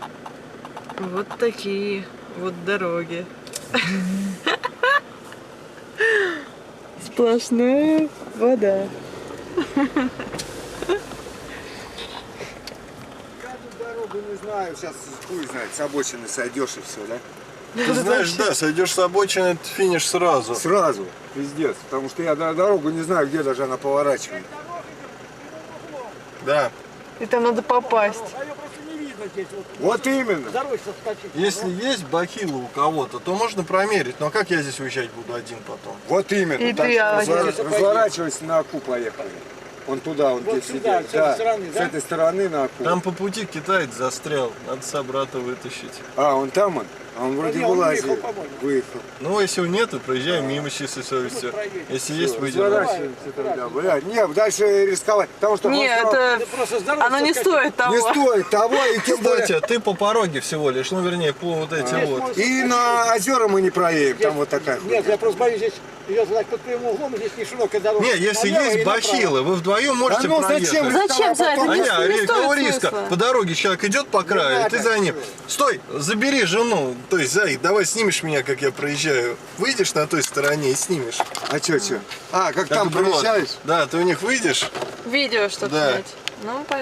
Вот такие вот дороги. Сплошная вода. Я тут дорогу не знаю, сейчас хуй знает, с обочины сойдешь и все, да? Ты знаешь, да, сойдешь с обочины, это финиш сразу. Сразу, пиздец, потому что я дорогу не знаю, где даже она поворачивает. Да. И там надо попасть. А ее просто не видно здесь. Вот именно. Дорожься вскочить. Если есть бахила у кого-то, то можно промерить. Но как я здесь уезжать буду один потом? Вот именно. И Так ты, что Аня. разворачивайся на Аку поехали. Он туда, он Вот где сюда, сидит. с этой стороны, с да? этой стороны на Аку. Там по пути китаец застрял, надо собрата вытащить. А, он там он? А он вроде не, он вылазил. выехал, по-моему. Выехал. Ну, если его нету, проезжаем мимо с чистой совестью. Если есть, выйдем. Разворачиваемся тогда. Бля, не, дальше рисковать. Потому что Нет, Ты просто с дороги оно не соскочи. стоит того. не стоит того, и тем более. Кстати, ты по пороге всего лишь, ну, вернее, по вот этим вот. И на озера мы не проедем, там вот такая Нет, хуйня. я просто боюсь, здесь идет так под прямым углом, и здесь не широкая дорога. Не, если Налево и есть направо. бахилы, вы вдвоем можете Да ну проехать. зачем? Зачем за это? Потом- Не Аня, стоит какого риска? смысла. По дороге человек идет по краю, и надо. ты за ним. Стой, забери жену. То есть, Зай, давай снимешь меня, как я проезжаю. Выйдешь на той стороне и снимешь. А чё? А, как Так там вот. проезжаешь? Да, ты у них выйдешь. Видео, чтобы Да. снять. Ну,